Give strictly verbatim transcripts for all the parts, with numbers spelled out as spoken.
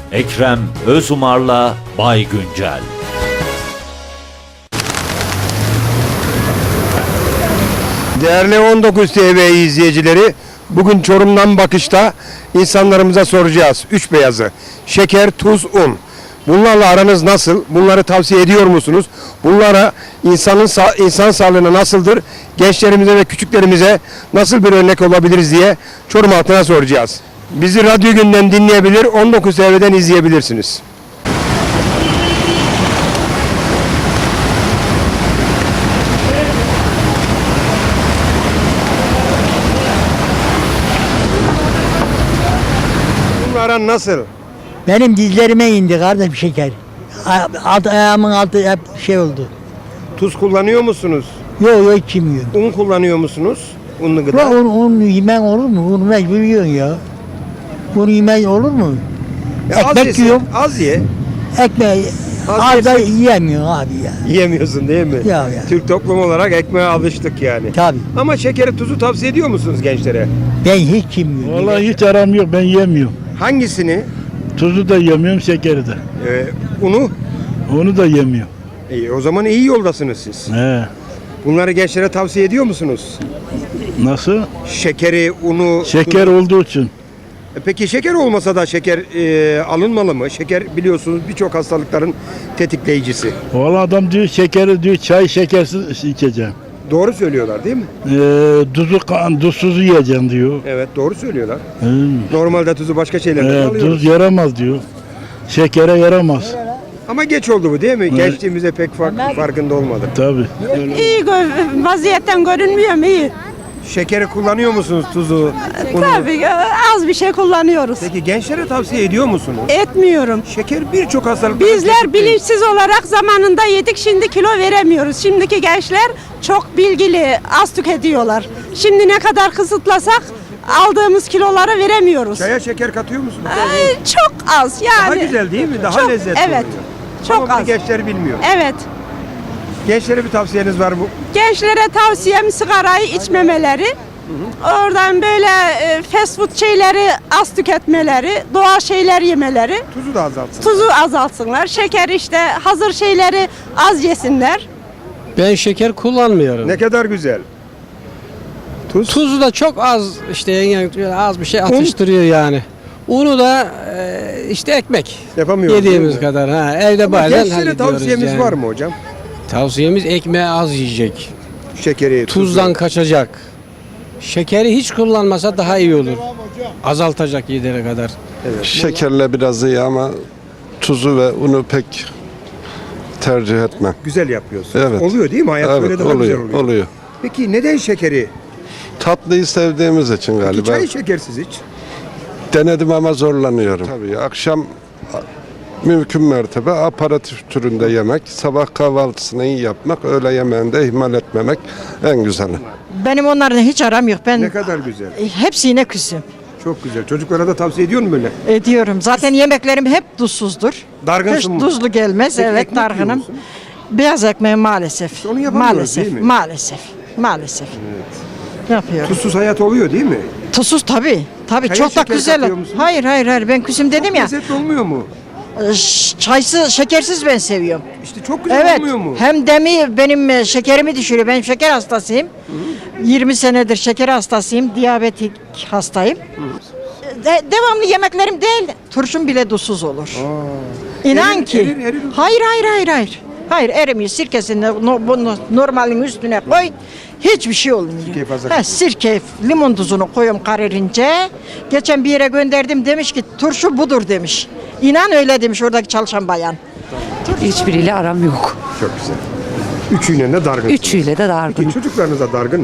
Ekrem Özumar'la Bay Güncel. Değerli on dokuz T V izleyicileri, bugün Çorum'dan bakışta insanlarımıza soracağız. Üç beyazı: şeker, tuz, un. Bunlarla aranız nasıl? Bunları tavsiye ediyor musunuz? Bunlara insanın sa- insan sağlığına nasıldır? Gençlerimize ve küçüklerimize nasıl bir örnek olabiliriz diye Çorum halkına soracağız. Bizi Radyo Günden dinleyebilir, on dokuz T V'den izleyebilirsiniz. Bunlara nasıl? Benim dizlerime indi kardeşim şeker. A- Alt, ayağımın altı hep şey oldu. Tuz kullanıyor musunuz? Yok yok hiç yemiyorum. Un kullanıyor musunuz? Unlu gıda. Ulan un, un yemen olur mu? Un mecbur yiyorsun ya. Un yemen olur mu? Ya az Ekmek yesin, yiyorum. Az ye. Ekmeği Az az da yesin. yiyemiyorsun abi ya. Yiyemiyorsun değil mi? Ya, ya. Türk toplumu olarak ekmeğe alıştık yani. Tabii. Ama şekeri, tuzu tavsiye ediyor musunuz gençlere? Ben hiç yemiyorum. Vallahi hiç aram yok, ben yemiyorum. Hangisini? Tuzu da yemiyorum, şekeri de. Ee, unu? Onu da yemiyorum. İyi, o zaman iyi yoldasınız siz. He. Bunları gençlere tavsiye ediyor musunuz? Nasıl? Şekeri, unu... Şeker tuzu- olduğu için. E Peki şeker olmasa da şeker e, alınmalı mı? Şeker biliyorsunuz birçok hastalıkların tetikleyicisi. Vallahi adam diyor şekeri diyor çay şekersiz içeceğim. Doğru söylüyorlar değil mi? Ee, tuzu kan, tuzsuz yiyeceğim diyor. Evet, doğru söylüyorlar. He. Normalde tuzu başka şeylerden Ee, alıyoruz. tuz yaramaz diyor. Şekere yaramaz. Ama geç oldu bu değil mi? Evet. Gençliğimizde pek fark, farkında olmadık. Tabii. İyi gö- vaziyetten görünmüyorum iyi. Şekeri kullanıyor musunuz, tuzu, unu? Tabii az bir şey kullanıyoruz. Peki gençlere tavsiye ediyor musunuz? Etmiyorum. Şeker birçok hastalık. Bizler bilinçsiz olarak zamanında yedik, şimdi kilo veremiyoruz. Şimdiki gençler çok bilgili, az tüketiyorlar. Şimdi ne kadar kısıtlasak aldığımız kiloları veremiyoruz. Çaya şeker katıyor musunuz? Ay, çok az yani. Daha güzel değil mi? Daha Çok- lezzetli evet. oluyor. Çok Ama bunu az. gençler bilmiyor. Evet. Gençlere bir tavsiyeniz var mı? Gençlere tavsiyem sigarayı içmemeleri. Oradan böyle e, fast food şeyleri az tüketmeleri, doğal şeyler yemeleri, Tuzu da azaltsın. tuzu azaltsınlar. Şeker işte hazır şeyleri az yesinler. Ben şeker kullanmıyorum. Ne kadar güzel. Tuz. Tuzu da çok az işte yani az bir şey atıştırıyor yani. Unu da e, işte ekmek. Yapamıyoruz. Yediğimiz değil mi? kadar ha evde Ama bazen gençlere hallediyoruz tavsiyemiz yani. var mı hocam? Tavsiyemiz ekmeği az yiyecek. Şekeri, Tuzdan tuzu. kaçacak. Şekeri hiç kullanmasa daha iyi olur. Azaltacak yedere kadar. Şekerle biraz iyi ama tuzu ve unu pek tercih etmem. Güzel yapıyorsun. Evet. Oluyor değil mi? Hayat Evet, böyle daha oluyor, güzel oluyor. oluyor. Peki neden şekeri? Tatlıyı sevdiğimiz için Peki galiba. çayı şekersiz iç. Denedim ama zorlanıyorum. Tabii akşam mümkün mertebe aparatif türünde yemek, sabah kahvaltısını iyi yapmak, öğle yemeğinde ihmal etmemek en güzeli. Benim onlarla hiç aram yok. Ben Ne kadar güzel. hepsine küsüm. Çok güzel. Çocuklara da tavsiye ediyor mu böyle? Ediyorum. Zaten yemeklerim hep tuzsuzdur. Dargınsın Hiç mı? tuzlu gelmez. Peki evet ekmek yiyor dargınım. musun? Beyaz ekmeği maalesef. onu yapamıyoruz, maalesef, değil mi? Maalesef. Maalesef. Yapıyorum. Tuzsuz hayat oluyor değil mi? Tuzsuz tabii. Tabii Çaya çok da şeker güzel. katıyor musun? Hayır hayır hayır ben küsüm dedim ya. Lezzetli olmuyor mu? Ş- Çaysız, şekersiz ben seviyorum. İşte çok güzel Evet. olmuyor mu? Hem demi benim e, şekerimi düşürüyor. Ben şeker hastasıyım. yirmi senedir şeker hastasıyım. Diyabetik hastayım. De- devamlı yemeklerim değil. Turşum bile tuzsuz olur. İnan Erir, ki. erir, erir. Hayır hayır hayır hayır. Hayır erimiyor. Sirkesini no, bunu normalin üstüne koy. Hiçbir şey olmuyor. Sirkeyi fazla Ha, sirke, limon tuzunu koyuyorum kararınca. Geçen bir yere gönderdim demiş ki turşu budur demiş. İnan öyle demiş oradaki çalışan bayan. Hiçbiriyle aram yok. Çok güzel. Üçüyle de dargın. Üçüyle de dargın. Peki çocuklarınız da dargın mı?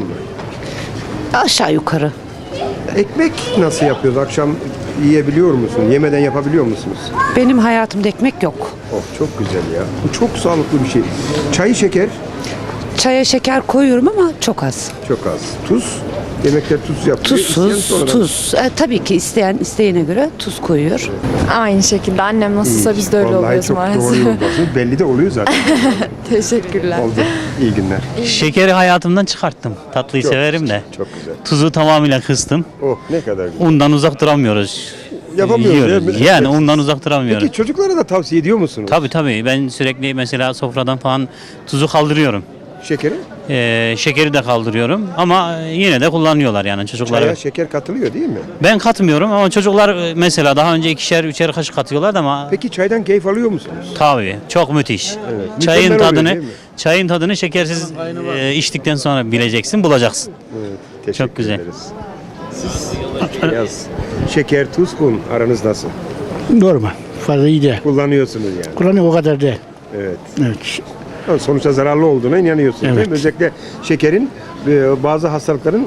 Aşağı yukarı. Ekmek nasıl yapıyoruz? Akşam yiyebiliyor musun? Yemeden yapabiliyor musunuz? Benim hayatımda ekmek yok. Oh çok güzel ya. Bu çok sağlıklı bir şey. Çayı şeker Çaya şeker koyuyorum ama çok az. çok az. Tuz. Yemekler tuz yapıyor. İsteyen Tuzsuz, sonradan- tuz. E, tabii ki isteyen isteğine göre tuz koyuyor. Aynı şekilde annem nasılsa biz de öyle Vallahi oluyoruz çok maalesef. doğru yoldasın. Belli de oluyor zaten. Teşekkürler. Oldu. İyi günler. Şekeri hayatımdan çıkarttım. Tatlıyı Çok severim güzel, de. Çok güzel. Tuzu tamamıyla kıstım. Oh ne kadar güzel. Undan uzak duramıyoruz. Yapamıyoruz yiyoruz. değil mi? Yani ondan uzak duramıyorum. Peki çocuklara da tavsiye ediyor musunuz? Tabii tabii. Ben sürekli mesela sofradan falan tuzu kaldırıyorum. Şekeri? Ee, şekeri de kaldırıyorum ama yine de kullanıyorlar yani çocuklar. Çaya şeker katılıyor değil mi? Ben katmıyorum ama çocuklar e, mesela daha önce ikişer üçer kaşık katıyorlardı ama Peki çaydan keyif alıyor musunuz? tabii çok müthiş. Evet. Çayın Mükemmel oluyor, tadını değil mi? çayın tadını şekersiz e, içtikten sonra bileceksin, bulacaksın. Evet, teşekkür Çok güzel. ederiz. Siz üç beyaz şeker, tuz, un aranız nasıl? Normal. Fazla iyi değil. Kullanıyorsunuz yani. Kullanıyor o kadar değil. Evet. Evet. Ama sonuçta zararlı olduğuna inanıyorsunuz değil Evet. mi? Özellikle şekerin e, bazı hastalıkların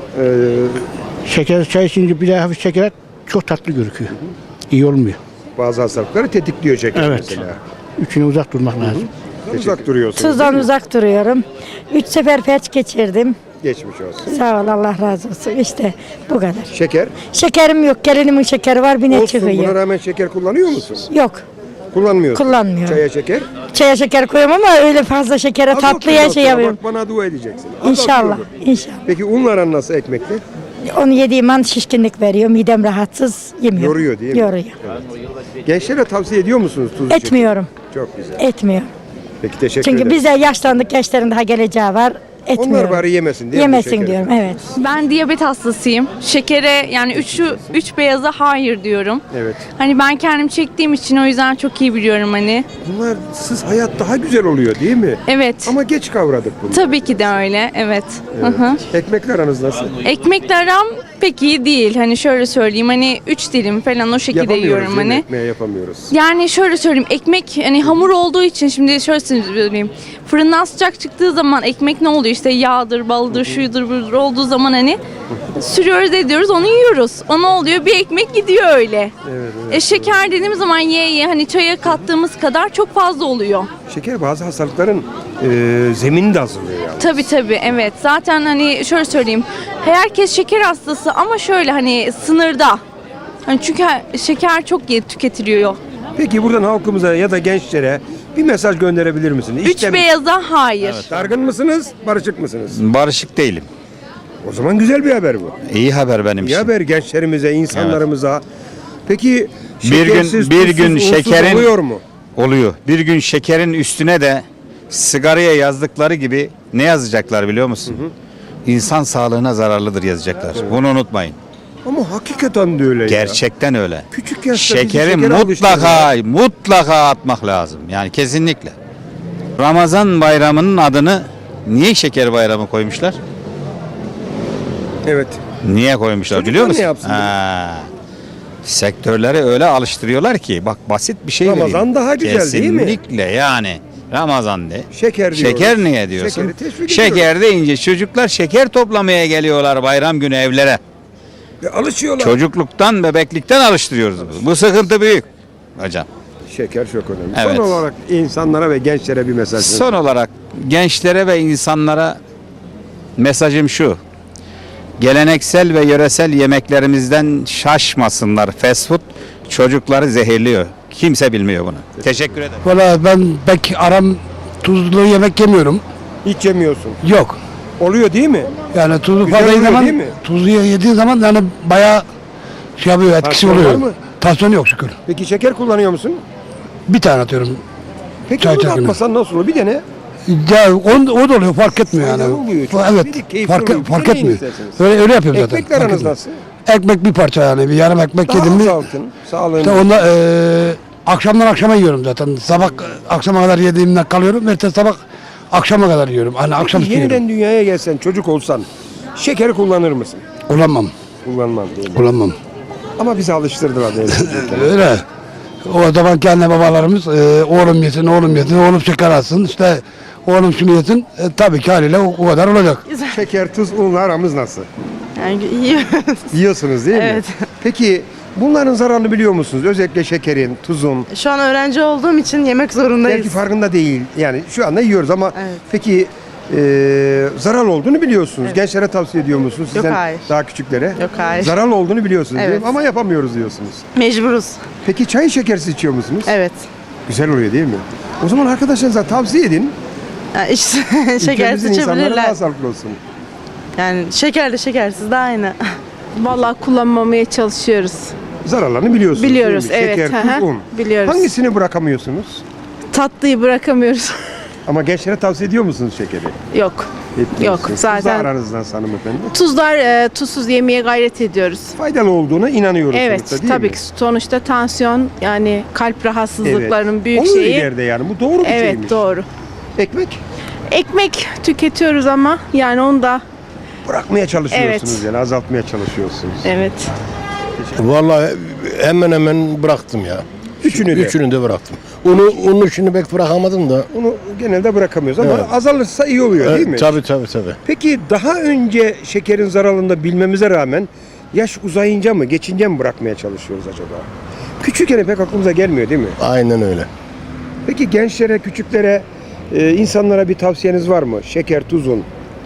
e, Şeker çay içince bir de hafif şeker çok tatlı gözüküyor. İyi olmuyor. bazı hastalıkları tetikliyor şeker Evet. mesela. Üçüne uzak durmak lazım. Uzak duruyorsunuz. Tuzdan değil mi? uzak duruyorum. Üç sefer felç geçirdim. Geçmiş olsun. Sağ ol, Allah razı olsun. İşte bu kadar. Şeker. Şekerim yok. Gelinimin şekeri var. Bir ne Olsun, buna çıkıyor. rağmen şeker kullanıyor musun? Yok. Kullanmıyorsun. Kullanmıyorum. Çaya şeker. Çaya şeker koyuyorum ama öyle fazla şekere Az tatlıya atıyorsun şey sonra, yapıyorum. Bak bana dua edeceksin. Az İnşallah. atıyorsun. İnşallah. Peki unla aran nasıl ekmekle? Onu yediğim an şişkinlik veriyor. Midem rahatsız. Yemiyorum. Yoruyor değil mi? Yoruyor. Gençlere tavsiye ediyor musunuz tuzlu şekeri? Etmiyorum. Çok güzel. Etmiyorum. Peki teşekkür Çünkü ederim. biz de yaşlandık. Gençlerin daha geleceği var. Etmiyorum. Onlar bari yemesin değil mi bu Yemesin şekeri? diyorum. Evet. Ben diyabet hastasıyım. Şekere yani üç, üç beyaza hayır diyorum. Evet. Hani ben kendim çektiğim için o yüzden çok iyi biliyorum hani. Bunlar siz hayat daha güzel oluyor değil mi? Evet. Ama geç kavradık bunu. Tabii ki de öyle. Evet. Hı hı. Ekmekle aranız nasıl? Ekmekle aram pek iyi değil. Hani şöyle söyleyeyim hani üç dilim falan o şekilde Yapamıyoruz yiyorum değil mi? hani. Ekmeğe yapamıyoruz. Yani şöyle söyleyeyim ekmek hani hamur olduğu için şimdi şöyle söyleyeyim fırından sıcak çıktığı zaman ekmek ne oluyor işte yağdır baldır şuydur budur olduğu zaman hani sürüyoruz ediyoruz onu yiyoruz. O ne oluyor bir ekmek gidiyor öyle. Evet, evet. E, şeker dediğimiz zaman ye ye hani çaya kattığımız kadar çok fazla oluyor. Şeker bazı hastalıkların e, zeminini de hazırlıyor yani. Tabii tabii evet zaten hani şöyle söyleyeyim herkes şeker hastası ama şöyle hani sınırda. Hani çünkü şeker çok tüketiliyor. Peki buradan halkımıza ya da gençlere bir mesaj gönderebilir misiniz? Üç beyaza hayır. Dargın mısınız, barışık mısınız? Barışık değilim. O zaman güzel bir haber bu. İyi haber benim İyi için. haber gençlerimize, insanlarımıza. Peki Bir gün şekersiz, bir tuzsuz, gün unsuz şekerin oluyor mu? oluyor. Bir gün şekerin üstüne de sigaraya yazdıkları gibi ne yazacaklar biliyor musun? İnsan sağlığına zararlıdır yazacaklar. Bunu unutmayın. Ama hakikaten de öyle ya. Gerçekten öyle. Küçük yaşta bizi Şekeri şekere mutlaka mutlaka atmak lazım. Yani kesinlikle. Ramazan bayramının adını niye şeker bayramı koymuşlar? Evet. Niye koymuşlar Çocuklar biliyor ne musun? yapsın? Ha. Sektörleri öyle alıştırıyorlar ki bak basit bir şey Ramazan vereyim. daha güzel değil mi? Kesinlikle yani. Ramazan de. Şeker diyoruz. Şeker niye diyorsun? Şekeri teşvik Şeker deyince çocuklar şeker toplamaya geliyorlar bayram günü evlere. Ve alışıyorlar. Çocukluktan, bebeklikten alıştırıyoruz. biz. Bu sıkıntı büyük hocam. Şeker çok önemli. Evet. Son olarak insanlara ve gençlere bir mesaj. Son olarak gençlere ve insanlara mesajım şu. Geleneksel ve yöresel yemeklerimizden şaşmasınlar. Fast food çocukları zehirliyor. Kimse bilmiyor bunu. Teşekkür ederim. Valla ben pek aram tuzlu yemek yemiyorum. Hiç yemiyorsun. Yok. Oluyor değil mi? Yani tuzlu Güzel fazla oluyor zaman değil mi? tuzlu yediğin zaman yani bayağı şey yapıyor etkisi Tansiyon var oluyor. mı? Tansiyon yok şükür. Peki şeker kullanıyor musun? Bir tane atıyorum. Peki Çay bunu çakını. atmasan nasıl olur? Bir dene. Ya o, o da oluyor fark etmiyor yani. Faydalı oluyor, çok Evet bir keyifli fark, oluyor. fark Deneyin etmiyor. isterseniz. Öyle, öyle yapıyorum zaten. Ekmekle fark aranız etmiyor. nasıl? Ekmek bir parça yani bir yarım ekmek Daha yedim mi? azaltın. Sağlığını. İşte onda eee akşamdan akşama yiyorum zaten. Sabah akşama kadar yediğimden kalıyorum. Ertesi sabah akşama kadar yiyorum. Hani akşam Peki yiyorum. yeniden dünyaya gelsen, çocuk olsan şekeri kullanır mısın? Kullanmam. Kullanmam değil mi? Kullanmam. Ama bizi alıştırdılar değil mi? Öyle. O zaman kendi babalarımız eee, oğlum yesin, oğlum yesin, oğlum şeker alsın. İşte oğlum şunu yesin. E, tabii ki haliyle o, o kadar olacak. Şeker, tuz, unla aramız nasıl? Yani yiyoruz. Yiyorsunuz değil mi? Evet. Peki bunların zararını biliyor musunuz? Özellikle şekerin, tuzun. Şu an öğrenci olduğum için yemek zorundayız. Belki farkında değil. Yani şu anda yiyoruz ama Evet. peki e, zararlı olduğunu biliyorsunuz. Gençlere tavsiye ediyor musunuz? Sizden hayır. daha küçüklere. Yok, hayır. Zararlı olduğunu biliyorsunuz değil Evet. mi? Ama yapamıyoruz diyorsunuz. Mecburuz. Peki çayı şekersiz içiyor musunuz? Evet. Güzel oluyor değil mi? O zaman arkadaşlarınıza tavsiye edin. Yani işte Ülkemizin insanları daha sağlıklı olsun. Yani şekerli şekersiz de aynı. Vallahi kullanmamaya çalışıyoruz. Zararlarını biliyorsunuz. Biliyoruz, değil mi? evet, Şeker, hı hı, tuz, un. biliyoruz. Hangisini bırakamıyorsunuz? Tatlıyı bırakamıyoruz. Ama gençlere tavsiye ediyor musunuz şekeri? Yok. Etmiyorsunuz. Yok, zaten- Tuzla aranızdan hanımefendi. Tuzlar e, tuzsuz yemeye gayret ediyoruz. Faydalı olduğuna inanıyoruz Evet, sonuçta, değil tabii mi? ki sonuçta tansiyon yani kalp rahatsızlıklarının büyük Olur şeyi. ileride yani. Bu doğru bir Evet, şeymiş. doğru. Ekmek Ekmek tüketiyoruz ama yani onu da bırakmaya çalışıyorsunuz Evet. yani azaltmaya çalışıyorsunuz. evet. Vallahi hemen hemen bıraktım ya. Üçünü de. Üçünü de bıraktım. Unu, unu şimdi pek bırakamadım da. Onu genelde bırakamıyoruz ama Evet. azalırsa iyi oluyor değil mi? Tabii tabii tabii. Peki daha önce şekerin zararını da bilmemize rağmen yaş uzayınca mı, geçince mi bırakmaya çalışıyoruz acaba? Küçükken pek aklımıza gelmiyor değil mi? Aynen öyle. Peki gençlere, küçüklere, e, insanlara bir tavsiyeniz var mı? Şeker, tuz, un.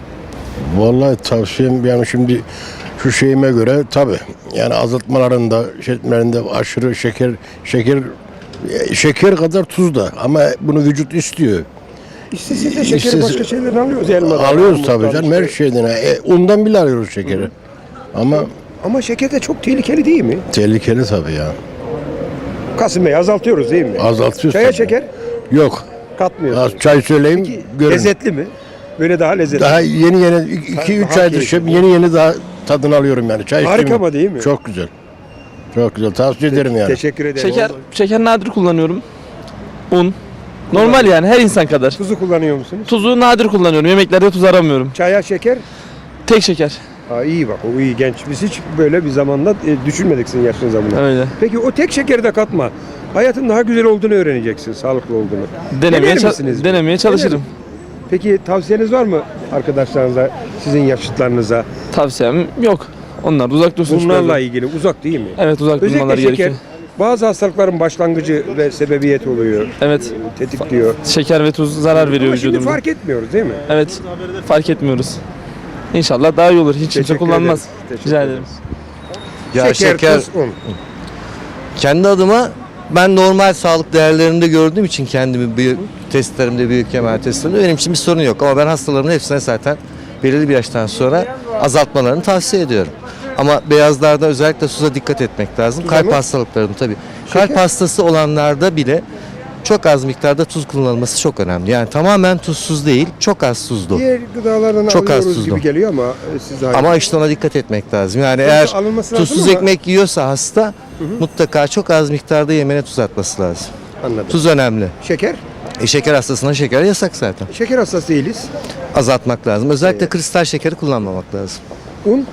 Vallahi tavsiyem yani şimdi şu şeyime göre tabii yani azaltmalarında, şeylerinde aşırı şeker şeker e, şeker kadar tuz da ama bunu vücut istiyor. İstese de şekeri İstese- başka şeylerden alıyoruz. Elmadan, Alıyoruz tabii armuttan canım her işte. şeyden. E, undan bile alıyoruz şekeri. Ama Ama şeker de çok tehlikeli değil mi? tehlikeli tabii ya. Kasım Bey azaltıyoruz değil mi? Azaltıyoruz. Çaya tabii. şeker Yok. katmıyoruz. Az çay söyleyeyim görün. Lezzetli mi? Böyle daha lezzetli. Daha yeni yeni iki üç Daha aydır keyifli. şey, yeni yeni daha tadını alıyorum yani. Çay Harika içtiğim- ama değil mi? Çok güzel. Çok güzel. Tavsiye ederim yani. Teşekkür ederim. Şeker, şeker nadir kullanıyorum. Un. Normal yani her insan kadar. Tuzu kullanıyor musunuz? Tuzu nadir kullanıyorum. Yemeklerde tuz aramıyorum. Çaya şeker? Tek şeker. Aa, iyi bak o iyi genç. Biz hiç böyle bir zamanda e, düşünmedik sizin yaşınıza bunu. Öyle. Peki o tek şekeri de katma. Hayatın daha güzel olduğunu öğreneceksin, sağlıklı olduğunu. Denemeye, Dener ça- misiniz? denemeye çalışırım. Denerim. Peki tavsiyeniz var mı arkadaşlarınıza, sizin yaşıtlarınıza? Tavsiyem yok. Onlar da uzak dursun. Bunlarla şunlardan. ilgili uzak değil mi? Evet uzak Özellikle durmaları şeker gerekiyor. bazı hastalıkların başlangıcı ve sebebiyeti oluyor. Evet. Tetikliyor. Şeker ve tuz zarar veriyor Ama şimdi vücudumuza. fark etmiyoruz değil mi? Evet. Fark etmiyoruz. İnşallah daha iyi olur. Hiç kimse Teşekkür kullanmaz. ederiz. Teşekkür Rica ederiz. ederim. Ya şeker, şeker, tuz, un. kendi adıma ben normal sağlık değerlerinde gördüğüm için kendimi bir testlerimde, büyük kemer testlerimde benim için bir sorun yok. Ama ben hastalarımın hepsine zaten belirli bir yaştan sonra azaltmalarını tavsiye ediyorum. Ama beyazlarda özellikle tuza dikkat etmek lazım. Kalp mı? hastalıklarında tabii. Kalp hastası olanlarda bile çok az miktarda tuz kullanılması çok önemli. Yani tamamen tuzsuz değil, çok az tuzlu. Diğer gıdalardan Çok az alıyoruz tuzlu. gibi geliyor ama e, siz daha Ama işte ona dikkat etmek lazım. Yani Tuzlu eğer alınması lazım tuzsuz ama- ekmek yiyorsa hasta mutlaka çok az miktarda yemeğine tuz atması lazım. anladım. Tuz önemli. Şeker? E şeker hastasına şeker yasak zaten. Şeker hastası değiliz. Azaltmak lazım. Özellikle kristal şekeri kullanmamak lazım. Un?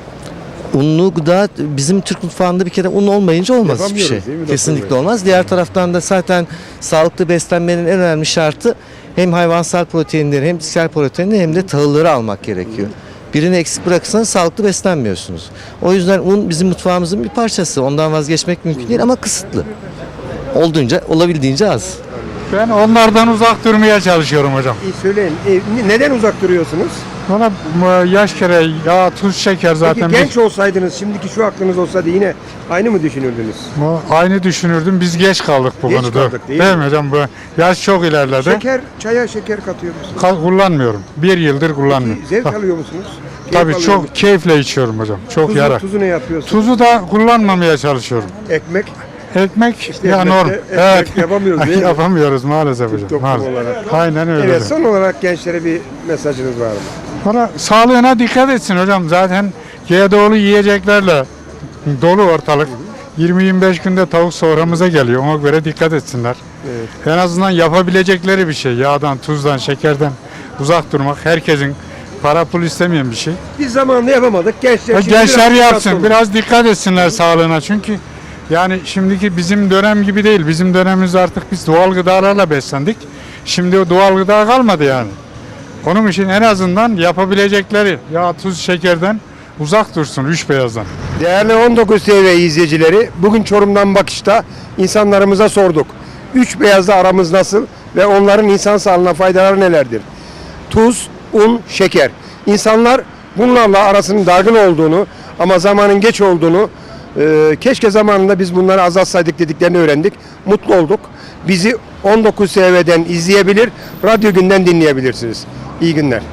Unlu gıda bizim Türk mutfağında bir kere un olmayınca olmaz hiçbir Yapamıyoruz şey. değil mi doktor Kesinlikle bey? olmaz. Diğer taraftan da zaten sağlıklı beslenmenin en önemli şartı hem hayvansal proteinleri hem bitkisel proteinleri hem de tahılları almak gerekiyor. Birini eksik bırakırsanız sağlıklı beslenmiyorsunuz. O yüzden un bizim mutfağımızın bir parçası. Ondan vazgeçmek mümkün değil ama kısıtlı. Olduğunca, olabildiğince az. Ben onlardan uzak durmaya çalışıyorum hocam. İyi söyleyin. E, ne- neden uzak duruyorsunuz? Valla bu yaş kere yağ, tuz, şeker zaten Peki genç olsaydınız, şimdiki şu aklınız olsaydı yine aynı mı düşünürdünüz? biz, bu aynı düşünürdüm. Biz geç kaldık bu Geç konuda. kaldık, değil değil mi? mi hocam? Bu yaş çok ilerledi. Şeker, çaya şeker katıyor musunuz? Ka- kullanmıyorum. Bir yıldır kullanmıyorum. Zevk Ta- alıyor musunuz? Keyif Tabii alıyor çok musunuz? keyifle içiyorum hocam. Çok Tuzu, yarar. tuzu ne yapıyorsunuz? Tuzu da kullanmamaya çalışıyorum. Ekmek. Ekmek İşte ya ekmekte- norm. ekmek Evet. yapamıyoruz değil mi? Yapamıyoruz maalesef hocam. toplum Maalesef. olarak. Aynen öyle. Evet, hocam. son olarak gençlere bir mesajınız var mı? Valla sağlığına dikkat etsin hocam. Zaten G D O'lu yiyeceklerle dolu ortalık. yirmi yirmi beş günde tavuk soframıza geliyor. Ona göre dikkat etsinler. Evet. En azından yapabilecekleri bir şey. Yağdan, tuzdan, şekerden uzak durmak. Herkesin para pul istemeyen bir şey. Biz zamanında yapamadık. Gençler, Ya şimdi gençler biraz yapsın. dikkatli olun. Biraz dikkat etsinler sağlığına. Çünkü yani şimdiki bizim dönem gibi değil. Bizim dönemimizde artık biz doğal gıdalarla beslendik. Şimdi o doğal gıda kalmadı yani. Onun için en azından yapabilecekleri yağ, tuz, şekerden uzak dursun, üç beyazdan. Değerli on dokuz T V izleyicileri, bugün Çorum'dan bakışta insanlarımıza sorduk. Üç beyazla aramız nasıl ve onların insan sağlığına faydaları nelerdir? Tuz, un, şeker. İnsanlar bunlarla arasının dargın olduğunu ama zamanın geç olduğunu, e, keşke zamanında biz bunları azaltsaydık dediklerini öğrendik. Mutlu olduk. Bizi on dokuz T V'den izleyebilir, Radyo Gün'den dinleyebilirsiniz. İyi günler.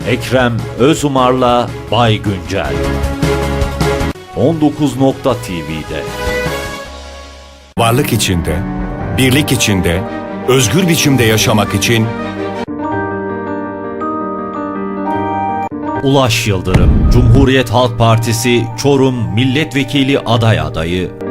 Ekrem Özumar'la Bay Güncel. on dokuz nokta T V'de. Varlık içinde, birlik içinde, özgür biçimde yaşamak için Ulaş Yıldırım, Cumhuriyet Halk Partisi Çorum Milletvekili aday adayı.